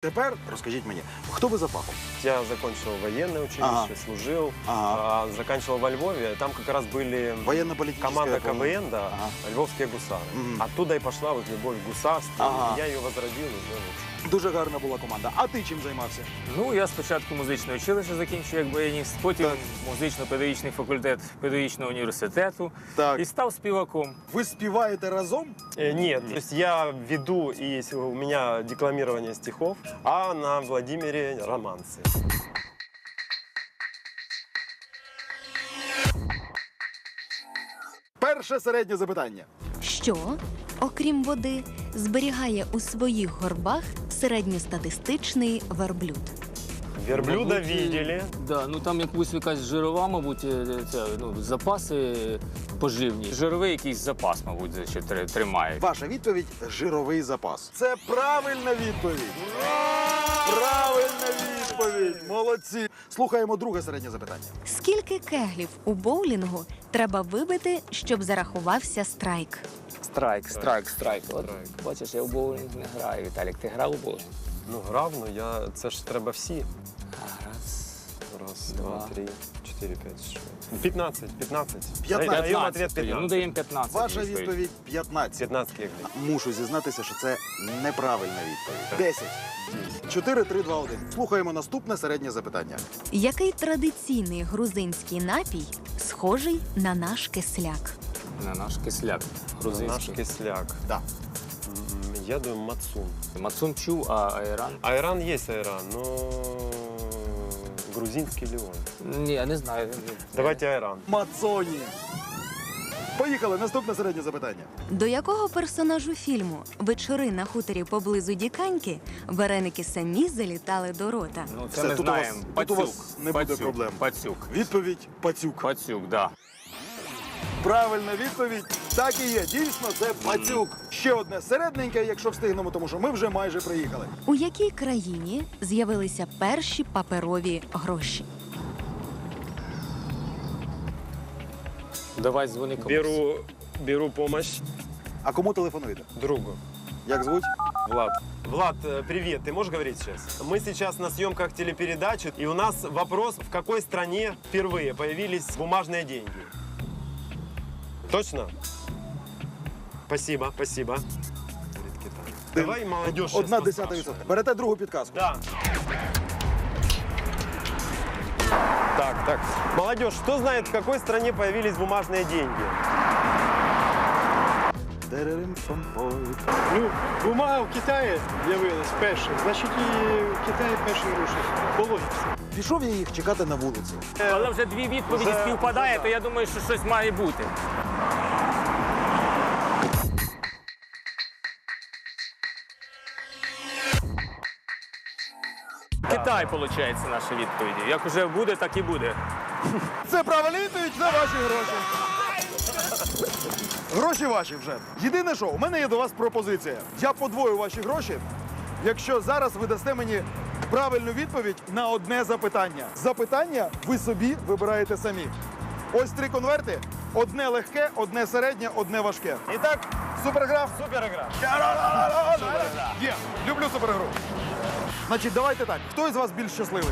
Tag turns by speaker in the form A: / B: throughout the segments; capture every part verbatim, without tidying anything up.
A: Тепер розкажіть мені, хто ви за фахом?
B: Я закончил военное училище,
A: Ага.
B: служил,
A: Ага.
B: а, заканчивал во Львове. Там как раз были
A: Военно-политическая
B: команда
A: форма.
B: КВН, да,
A: Ага.
B: львовские гусары.
A: Мгм.
B: Оттуда и пошла вот любовь к гусарству.
A: Ага.
B: Я ее возродил уже вот.
A: Дуже гарна була команда. А ти чим займався?
C: Ну, я спочатку музичне училище закінчив як баяніст, потім
A: Так.
C: музично-педагогічний факультет педагогічного університету
A: Так.
C: і став співаком.
A: Ви співаєте разом?
B: Э, Нет, то есть я веду, и с- у меня декламирование стихов, а на Владимире романсы.
A: Перше середнє запитання.
D: Що, окрім води, зберігає у своїх горбах середньостатистичний верблюд?
B: Верблюда
C: Мабуть,
B: видели.
C: Да, ну там якусь якась жирова, мабуть, е, це, ну, запаси поживні. Жировий якийсь запас, мабуть, ще тр- тримає.
A: Ваша відповідь – жировий запас. Це правильна відповідь. Правильна відповідь. Молодці. Слухаємо друге середнє запитання.
D: Скільки кеглів у боулінгу треба вибити, щоб зарахувався страйк?
C: Страйк, страйк, страйк. От,
B: Страйк.
C: бачиш, я в боулінг не граю. Віталік, ти грав у боулінг?
B: Ну, грав, ну я, це ж треба всі.
C: А, раз.
B: Раз,
C: Два.
B: два, три, чотири, п'ять, шість. п'ятнадцять, п'ятнадцять.
A: п'ятнадцять.
B: Даємо ответ
C: тоді. Ну,
B: п'ятнадцять.
C: даємо п'ятнадцять.
A: Ваша відповідь – п'ятнадцять.
B: п'ятнадцять кеглів.
A: Мушу зізнатися, що це неправильна відповідь. десять. чотири, три, два, один. Слухаємо наступне середнє запитання.
D: Який традиційний грузинський напій схожий на наш кисляк?
C: На наш кисляк
B: Наш
C: грузинський.
B: кисляк.
A: Да.
B: М, Я думаю, мацун.
C: Мацун чув, а айран?
B: Айран есть айран, но грузинский ли он?
C: Ні, я не знаю.
B: Давайте айран.
A: Мацоні. Поїхали. Наступне середнє запитання.
D: До якого персонажу фільму «Вечори на хуторі поблизу Діканьки» вареники самі залітали до рота?
C: Ну,
A: Все,
C: це ми
A: тут у вас-
C: знаємо.
A: тут у
C: Пацюк.
A: вас не буде
C: Пацюк.
A: проблем.
C: Пацюк.
A: Відповідь – пацюк.
C: Пацюк, да.
A: Правильна відповідь. Так і є. Дійсно, це пацюк. Ще одне середненьке, якщо встигнемо, тому що ми вже майже приїхали.
D: У якій країні з'явилися перші паперові гроші?
C: Давай дзвони комусь.
B: Беру, беру помощь
A: А кому телефонуєте?
B: другу.
A: Як звуть?
B: Влад. Влад, э, привет, ты можешь говорить сейчас? Мы сейчас на съемках телепередачи, и у нас вопрос, в какой стране впервые появились бумажные деньги? Точно? Спасибо, спасибо. Говорит Китай. Давай молодежь сейчас
A: Одна десята
B: поспрашиваем.
A: відсотка. Берете другу підказку.
B: Да. Так, так. Молодежь, кто знает, в какой стране появились бумажные деньги?
A: Дерерим-пам-пой.
E: Ну, бумага в Китаї з'явилась перша, значить і в Китаї перші гроші. По логіці.
A: Пішов я їх чекати на вулиці.
C: Але вже дві відповіді
B: Вже-
C: співпадає, то я думаю, що щось має бути. Китай, виходить, наша відповідь. Як вже буде, так і буде.
A: Це правильна відповідь, це ваші гроші. Гроші ваші вже. Єдине що, у мене є до вас пропозиція. Я подвою ваші гроші, якщо зараз ви дасте мені правильну відповідь на одне запитання. Запитання ви собі вибираєте самі. Ось три конверти. Одне легке, одне середнє, одне важке. І так, супергра.
B: Супергра.
A: Є, люблю супергру. Значить, давайте так. Хто із вас більш щасливий?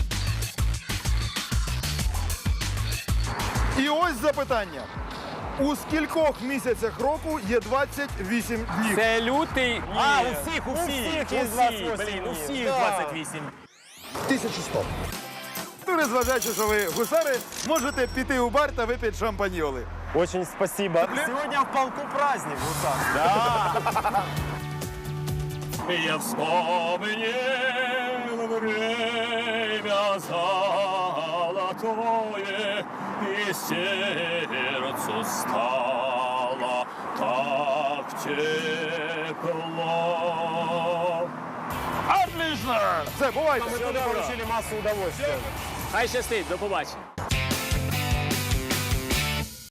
A: І ось запитання. У скількох місяцях року є двадцять вісім днів?
C: Це лютий. А, у всіх, у
B: У
C: всіх.
B: всіх є двадцять вісім
C: Блін, у
B: днів.
C: всіх
B: Да.
C: двадцять вісім.
A: тисяча сто. Ну, незважаючи, що ви гусари, можете піти у бар та випити шампаньоли.
B: Очень спасибо. Сегодня в полку праздник, Гусар.
C: Я вспомнил время золотое, и сердцу стало так тепло.
A: Отлично! Все, бувайте.
B: Мы туда получили массу удовольствия.
C: Хай щастить, до побачення.